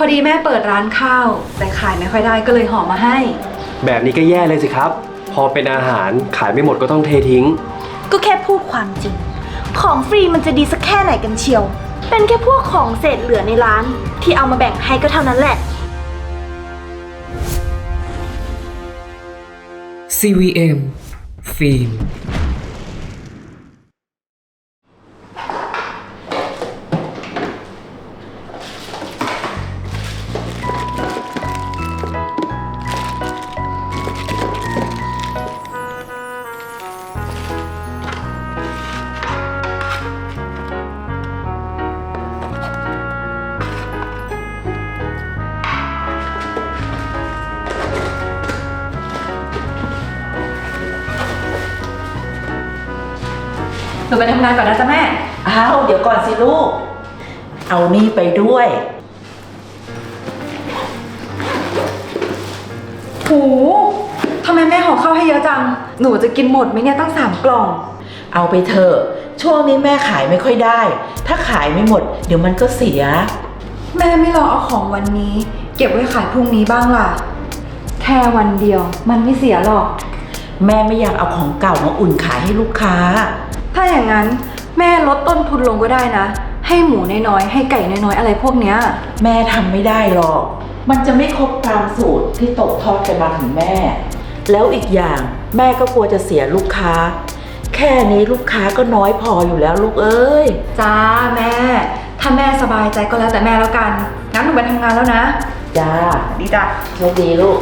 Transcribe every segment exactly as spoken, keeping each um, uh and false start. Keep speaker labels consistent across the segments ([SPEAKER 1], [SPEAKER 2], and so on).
[SPEAKER 1] อดีแม่เปิดร้านข้าวแต่ขายไม่ค่อยได้ก็เลยห่อมาให้
[SPEAKER 2] แบบนี้ก็แย่เลยสิครับพอเป็นอาหารขายไม่หมดก็ต้องเททิ้ง
[SPEAKER 3] ก็แค่พูดความจริงของฟรีมันจะดีสักแค่ไหนกันเชียวเป็นแค่พวกของเศษเหลือในร้านที่เอามาแบ่งให้ก็เท่านั้นแหละ
[SPEAKER 4] ซี วี เอ็ม ฟิล์ม
[SPEAKER 1] หนูไปทำงานก่อนนะจ๊ะแม่
[SPEAKER 5] อ้าวเดี๋ยวก่อนสิลูกเอานี่ไปด้วย
[SPEAKER 1] โหทำไมแม่ห่อข้าวให้เยอะจังหนูจะกินหมดไหมเนี่ยตั้งสามกล่อง
[SPEAKER 5] เอาไปเถอะช่วงนี้แม่ขายไม่ค่อยได้ถ้าขายไม่หมดเดี๋ยวมันก็เสีย
[SPEAKER 1] แม่ไม่รอเอาของวันนี้เก็บไว้ขายพรุ่งนี้บ้างล่ะแค่วันเดียวมันไม่เสียหรอก
[SPEAKER 5] แม่ไม่อยากเอาของเก่ามาอุ่นขายให้ลูกค้า
[SPEAKER 1] ถ้าอย่างนั้นแม่ลดต้นทุนลงก็ได้นะให้หมูน้อยๆให้ไก่น้อยๆอะไรพวกเนี้ย
[SPEAKER 5] แม่ทำไม่ได้หรอกมันจะไม่ครบตามสูตรที่ตกทอดกันมาถึงแม่แล้วอีกอย่างแม่ก็กลัวจะเสียลูกค้าแค่นี้ลูกค้าก็น้อยพออยู่แล้วลูกเอ้ย
[SPEAKER 1] จ้าแม่ถ้าแม่สบายใจก็แล้วแต่แม่แล้วกันงั้นหนูไปทำงานแล้วนะ
[SPEAKER 5] จ้า
[SPEAKER 1] ดีจ้ะ
[SPEAKER 5] โชคดีลูก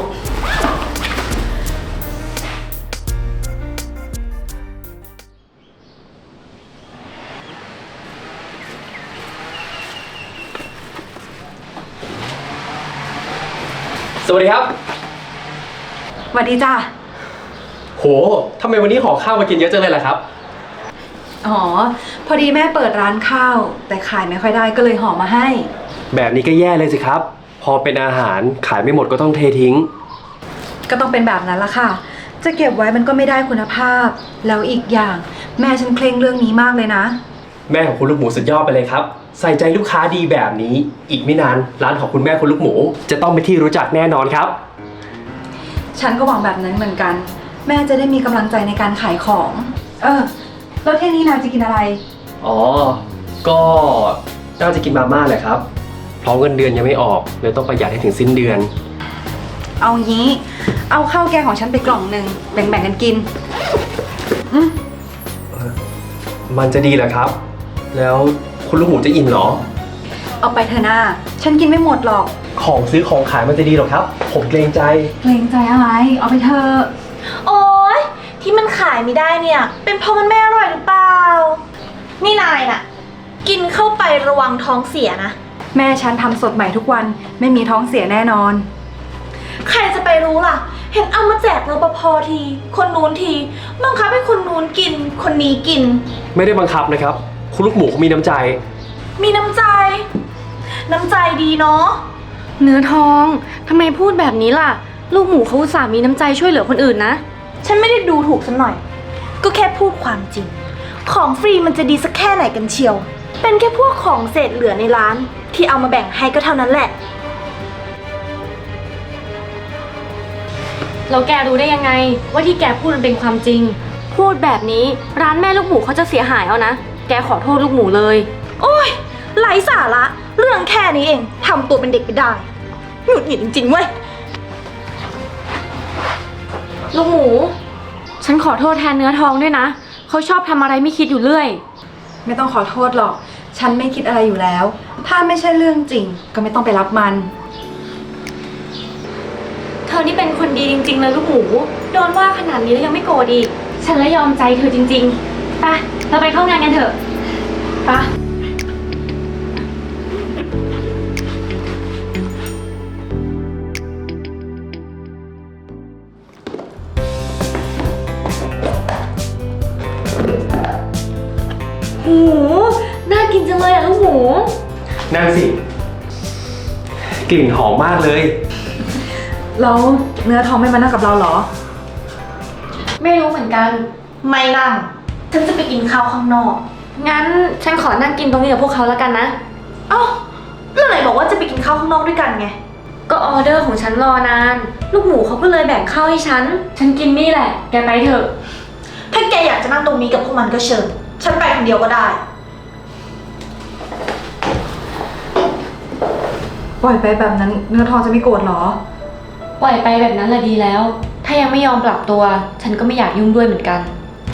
[SPEAKER 2] สวัสดีครับ
[SPEAKER 1] สวัสดีจ้า
[SPEAKER 2] โหทำไมวันนี้ห่อข้าวมากินเยอะจังเลยล่ะครับ
[SPEAKER 1] อ๋อพอดีแม่เปิดร้านข้าวแต่ขายไม่ค่อยได้ก็เลยห่อมาให้
[SPEAKER 2] แบบนี้ก็แย่เลยสิครับพอเป็นอาหารขายไม่หมดก็ต้องเททิ้ง
[SPEAKER 1] ก็ต้องเป็นแบบนั้นละค่ะจะเก็บไว้มันก็ไม่ได้คุณภาพแล้วอีกอย่างแม่ฉันเคร่งเรื่องนี้มากเลยนะ
[SPEAKER 2] แม่ของคุณลูกหมูสุดยอดไปเลยครับใส่ใจลูกค้าดีแบบนี้อีกไม่นานร้านของคุณแม่คุณลูกหมูจะต้องเป็นที่รู้จักแน่นอนครับ
[SPEAKER 1] ฉันก็หวังแบบนั้นเหมือนกันแม่จะได้มีกำลังใจในการขายของเออแล้วเที่ยงนี้นายจะกินอะไร
[SPEAKER 2] อ๋อก็น่าจะกินมาม่าแหละครับเพราะเงินเดือนยังไม่ออกเลยต้องประหยัดให้ถึงสิ้นเดือน
[SPEAKER 1] เอางี้เอาข้าวแกงของฉันไปกล่องหนึ่งแบ่งๆกันกินอืม
[SPEAKER 2] มันจะดีเหรอครับแล้วคุณลูกหมูจะอิ่มเหรอ
[SPEAKER 1] เอาไปเถอะนะฉันกินไม่หมดหรอก
[SPEAKER 2] ของซื้อของขายมันจะดีหรอครับผมเกรงใจ
[SPEAKER 1] เกรงใจอะไรเอาไปเถอะ
[SPEAKER 3] โอ๊ยที่มันขายไม่ได้เนี่ยเป็นเพราะมันไม่อร่อยหรือเปล่านี่นายน่ะกินเข้าไประวังท้องเสียนะ
[SPEAKER 1] แม่ฉันทำสดใหม่ทุกวันไม่มีท้องเสียแน่นอน
[SPEAKER 3] ใครจะไปรู้ล่ะเห็นเอามาแจกรปภทีคนนู้นทีบังคับให้คนนู้นกินคนนี้กิน
[SPEAKER 2] ไม่ได้บังคับนะครับคุณลูกหมูเขามีน้ำใจ
[SPEAKER 3] มีน้ำใจน้ำใจดีเนาะ
[SPEAKER 6] เนื้อทองทำไมพูดแบบนี้ล่ะลูกหมูเขาอุตส่าห์มีน้ำใจช่วยเหลือคนอื่นนะ
[SPEAKER 3] ฉันไม่ได้ดูถูกสักหน่อยก็แค่พูดความจริงของฟรีมันจะดีสักแค่ไหนกันเชียวเป็นแค่พวกของเศษเหลือในร้านที่เอามาแบ่งให้ก็เท่านั้นแหละ
[SPEAKER 6] แล้วแกรู้ได้ยังไงว่าที่แกพูดมันเป็นความจริงพูดแบบนี้ร้านแม่ลูกหมูเขาจะเสียหายเอานะแกขอโทษลูกหมูเลย
[SPEAKER 3] โอ๊ยไร้สาระเรื่องแค่นี้เองทำตัวเป็นเด็กไปได้หงุดหงิดจริงๆเว้ย
[SPEAKER 6] ลูกหมูฉันขอโทษแทนเนื้อทองด้วยนะเขาชอบทำอะไรไม่คิดอยู่เรื่อย
[SPEAKER 1] ไม่ต้องขอโทษหรอกฉันไม่คิดอะไรอยู่แล้วถ้าไม่ใช่เรื่องจริงก็ไม่ต้องไปรับมัน
[SPEAKER 6] เธอนี่เป็นคนดีจริงๆเลยลูกหมูโดนว่าขนาดนี้แล้วยังไม่โกรธอีกฉันละยอมใจเธอจริงๆไปเราไปเข้างานกันเถอะไปหูน่ากินจังเลยอะลูกหมู
[SPEAKER 2] นั่นสิกลิ่นหอมมากเลย
[SPEAKER 1] แล้วเนื้อทองไม่มานั่งกับเราเหรอ
[SPEAKER 6] ไม่รู้เหมือนกัน
[SPEAKER 3] ไม่นั่งฉันจะไปกินข้าวข้างนอก
[SPEAKER 6] งั้นฉันขอนั่งกินตรงนี้กับพวกเขาแล้วกันนะ
[SPEAKER 3] เอ้าแล้วไหนบอกว่าจะไปกินข้าวข้างนอกด้วยกันไง
[SPEAKER 6] ก็ออเดอร์ของฉันรอนาน ลูกหมูเขาก็เลยแบ่งข้าวให้ฉัน ฉันกินนี่แหละ แกไปเถอะ
[SPEAKER 3] ถ้าแกอยากจะนั่งตรงนี้กับพวกมันก็เชิญ ฉันไปคนเดียวก็ได้
[SPEAKER 1] ปล่อยไปแบบนั้นเนื้อทองจะไม่โกรธเหรอ
[SPEAKER 6] ปล่อยไปแบบนั้นแหละดีแล้ว ถ้ายังไม่ยอมปรับตัว ฉันก็ไม่อยากยุ่งด้วยเหมือนกัน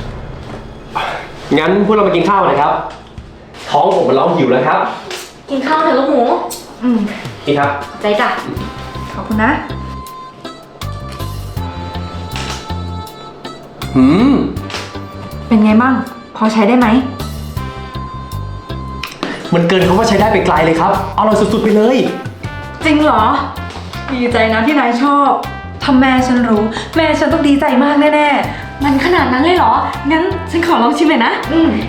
[SPEAKER 2] งั้นพวกเราไปกินข้าวเลยครับ ท้องผมมันร้องหิวแล้วครับ
[SPEAKER 6] กินข้าวเถอะลูกหมู
[SPEAKER 1] อืม
[SPEAKER 2] นี่ครับ
[SPEAKER 6] ใจจ้ะ
[SPEAKER 1] ขอบคุณนะ
[SPEAKER 2] หืม
[SPEAKER 1] เป็นไงมั่ง พอใช้ได้ไหม
[SPEAKER 2] มันเกินคำว่าใช้ได้ไปไกลเลยครับ อร่อยสุดๆไปเลย
[SPEAKER 1] จริงเหรอ ดีใจนะที่นายชอบถ้าแม่ฉันรู้ แม่ฉันต้องดีใจมากแน่
[SPEAKER 6] มันขนาดนั้นเลยเหรอ งั้นฉันขอลองชิมหน่อยนะ
[SPEAKER 1] ๆ อืม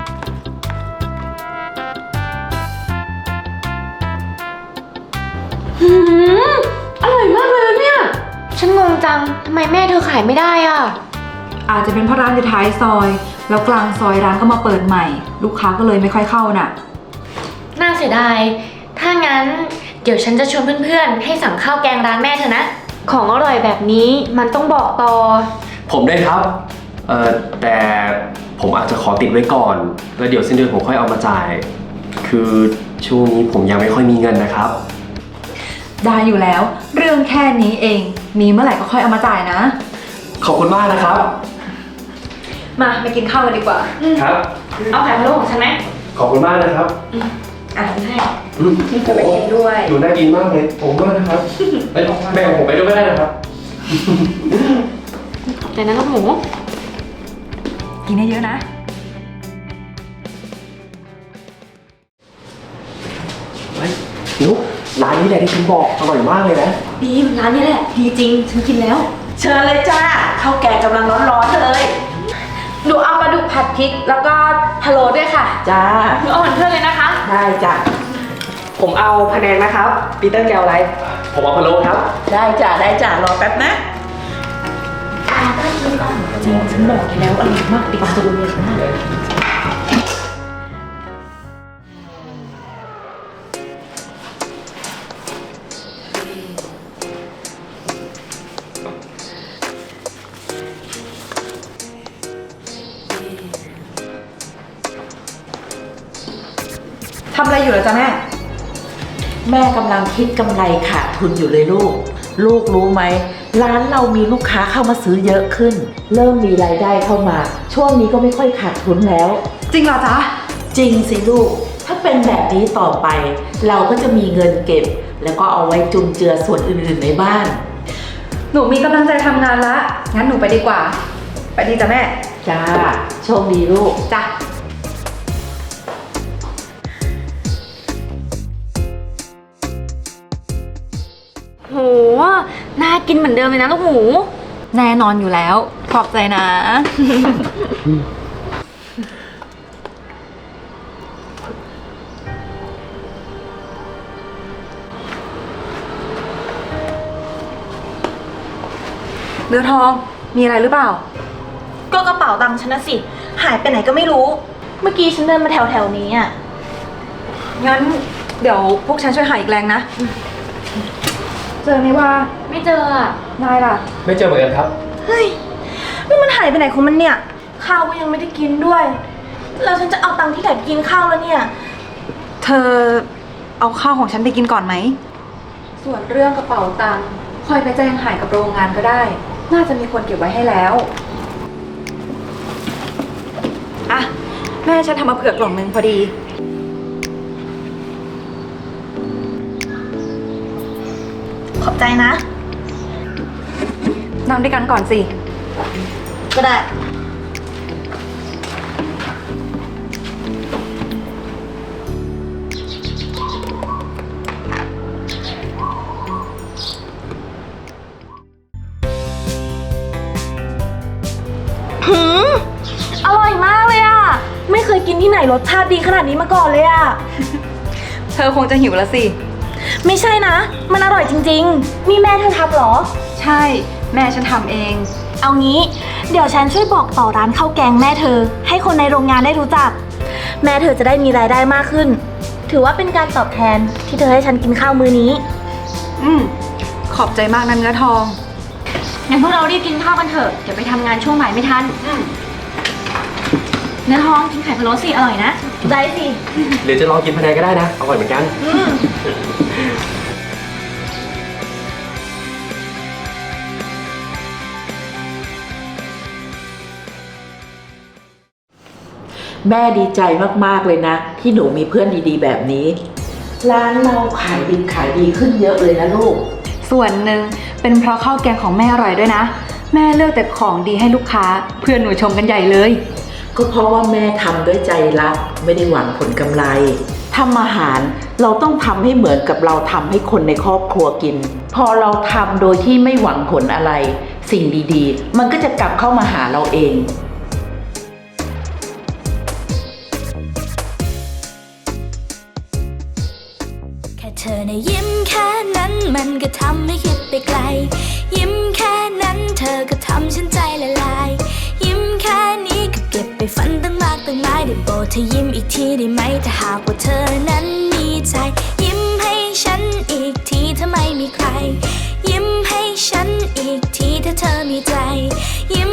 [SPEAKER 6] หืมอร่อยมากเลยเนี่ย ฉันงงจัง ทำไมแม่เธอขายไม่ได้อ่ะ
[SPEAKER 1] อาจจะเป็นเพราะร้านอยู่ท้ายซอย แล้วกลางซอยร้านก็มาเปิดใหม่ ลูกค้าก็เลยไม่ค่อยเข้าน่ะ
[SPEAKER 6] น่าเสียดาย ถ้างั้นเดี๋ยวฉันจะชวนเพื่อนๆ ให้สั่งข้าวแกงร้านแม่เธอนะ ของอร่อยแบบนี้มันต้องบอกต่อ
[SPEAKER 2] ผมได้ครับ เอ่อ แต่ผมอาจจะขอติดไว้ก่อน แล้วเดี๋ยวสิ้นเดือนผมค่อยเอามาจ่าย คือช่วงนี้ผมยังไม่ค่อยมีเงินนะครับ
[SPEAKER 1] ได้อยู่แล้ว เรื่องแค่นี้เอง มีเมื่อไหร่ก็ค่อยเอามาจ่ายนะ
[SPEAKER 2] ขอบคุณมากนะครับ
[SPEAKER 1] มาไปกินข้าวกันดีกว่า
[SPEAKER 2] ครับ
[SPEAKER 6] เอาไข่พะโล้ของฉันไหม
[SPEAKER 2] ขอบคุณมากนะครับ
[SPEAKER 1] อ่ะ
[SPEAKER 6] ให้
[SPEAKER 2] อืม
[SPEAKER 1] จะไปกินด้วย
[SPEAKER 2] ดูน่ากินมากเลย ผมมากนะครับเอ้ยแบ่งผมไปด้วยก็ได้นะครับ
[SPEAKER 6] แต่นั้นลูกหมู
[SPEAKER 1] กินให้เยอะนะ
[SPEAKER 2] เฮ้ยนุ๊กร้านนี้แหละที่คุณบอกอร่อยมากเลยนะ
[SPEAKER 6] ดีร้านนี้แหละ ดีจริง ฉันกินแล้ว
[SPEAKER 5] เชิญเลยจ้าข้าวแกงกำลังร้อนๆเลย
[SPEAKER 3] หนูเอาปลาดุกผัดพริก แล้วก็พะโล้ด้วยค่ะ
[SPEAKER 5] จ้า
[SPEAKER 6] หนูเอาเหมือนเพื่อนเลยนะคะ
[SPEAKER 5] ได้จ้ะ
[SPEAKER 2] ผมเอาพะแนงนะครับ ปีเตอร์แกวอะไร ผมเอาพะโล้ครับ
[SPEAKER 5] ได้จ้ะได้จ้ะรอแป๊บนะ
[SPEAKER 6] จริง ฉันบอกแกแล้วอร่อยมากติดตัวเลยค่ะ
[SPEAKER 1] ทำอะไรอยู่เหรอจ๊ะแม่
[SPEAKER 5] แม่กำลังคิดกำไรขาดทุนอยู่เลยลูก ลูกรู้ไหมร้านเรามีลูกค้าเข้ามาซื้อเยอะขึ้น เริ่มมีรายได้เข้ามา ช่วงนี้ก็ไม่ค่อยขาดทุนแล้ว
[SPEAKER 1] จริงเหรอจ๊ะ
[SPEAKER 5] จริงสิลูก ถ้าเป็นแบบนี้ต่อไป เราก็จะมีเงินเก็บ แล้วก็เอาไว้จุนเจือส่วนอื่นๆในบ้าน
[SPEAKER 1] หนูมีกำลังใจทำงานละ งั้นหนูไปดีกว่า ไปดีจ้ะแม่
[SPEAKER 5] จ้า โชคดีลูก
[SPEAKER 1] จ้ะ
[SPEAKER 6] โห น่ากินเหมือนเดิมเลยนะลูกหมู
[SPEAKER 1] แน่นอนอยู่แล้ว ขอบใจนะ เนื้อทอง มีอะไรหรือเปล่า
[SPEAKER 3] ก็กระเป๋าตังค์ฉันนะสิ หายไปไหนก็ไม่รู้ เมื่อกี้ฉันเดินมาแถวแถวๆนี้อ่ะ
[SPEAKER 1] งั้นเดี๋ยวพวกฉันช่วยหาอีกแรงนะ เจอไหมว่า
[SPEAKER 6] ไม่เจออ่ะ
[SPEAKER 1] นายล่ะ
[SPEAKER 2] ไม่เจอเหมือนกันครับ
[SPEAKER 3] เฮ้ยนี่มันหายไปไหนของมันเนี่ย ข้าวก็ยังไม่ได้กินด้วย แล้วฉันจะเอาตังค์ที่ไหนไปกินข้าวแล้วเนี่ย
[SPEAKER 1] เธอเอาข้าวของฉันไปกินก่อนไหม ส่วนเรื่องกระเป๋าตังค์ค่อยไปแจ้งหายกับโรงงานก็ได้ น่าจะมีคนเก็บไว้ให้แล้ว อ่ะ แม่ฉันทำมาเผื่อกล่องนึงพอดี
[SPEAKER 3] ขอบใจนะ
[SPEAKER 1] นั่งด้วยกันก่อนสิ
[SPEAKER 3] ก็ได้ หืม อร่อยมากเลยอ่ะ ไม่เคยกินที่ไหนรสชาติดีขนาดนี้มาก่อนเลยอ่ะ
[SPEAKER 1] เธอคงจะหิวแล้วสิ
[SPEAKER 3] ไม่ใช่นะ มันอร่อยจริงๆ นี่แม่เธอทำเหรอ
[SPEAKER 1] ใช่ แม่ฉันทำเอง
[SPEAKER 3] เอางี้ เดี๋ยวฉันช่วยบอกต่อร้านข้าวแกงแม่เธอ ให้คนในโรงงานได้รู้จัก แม่เธอจะได้มีรายได้มากขึ้นถือว่าเป็นการตอบแทนที่เธอให้ฉันกินข้าวมื้อนี้
[SPEAKER 1] อืม ขอบใจมากนะเนื้อทอง
[SPEAKER 6] งั้นพวกเรารีบกินข้าวกันเถอะ เดี๋ยวไปทำงานช่วงบ่ายไม่ทัน เนื้อท้องกินไข่พะโล้สิอร่อยนะ
[SPEAKER 3] ได้สิ
[SPEAKER 2] หรือจะลองกินพะแนงก็ได้นะ อร่อยเหมือนกัน
[SPEAKER 5] แม่ดีใจมากๆเลยนะ ที่หนูมีเพื่อนดีๆแบบนี้ ร้านเราขายดีขายดีขึ้นเยอะเลยนะลูก
[SPEAKER 1] ส่วนหนึ่งเป็นเพราะข้าวแกงของแม่อร่อยด้วยนะ แม่เลือกแต่ของดีให้ลูกค้า เพื่อนหนูชมกันใหญ่เลย
[SPEAKER 5] ก็เพราะว่าแม่ทำด้วยใจรักไม่ได้หวังผลกำไรทำอาหารเราต้องทำให้เหมือนกับเราทำให้คนในครอบครัวกิน พอเราทำโดยที่ไม่หวังผลอะไร สิ่งดีๆ มันก็จะกลับเข้ามาหาเราเอง
[SPEAKER 7] แค่เธอในะยิ้มแค่นั้นมันก็ทำให้คิดไปไกล ยิ้มแค่นั้นเธอก็ทำฉันใจละลาย ยิ้มแค่นี้ก็เก็บไปฝันตั้งมากตั้งหลายได้โปรดเธอยิ้มอีกทีได้ไหมถ้าหากว่าเธอนั้นมีใจ ยิ้มให้ฉันอีกทีถ้าไม่มีใคร ยิ้มให้ฉันอีกทีถ้าเธอมีใจยิ้ม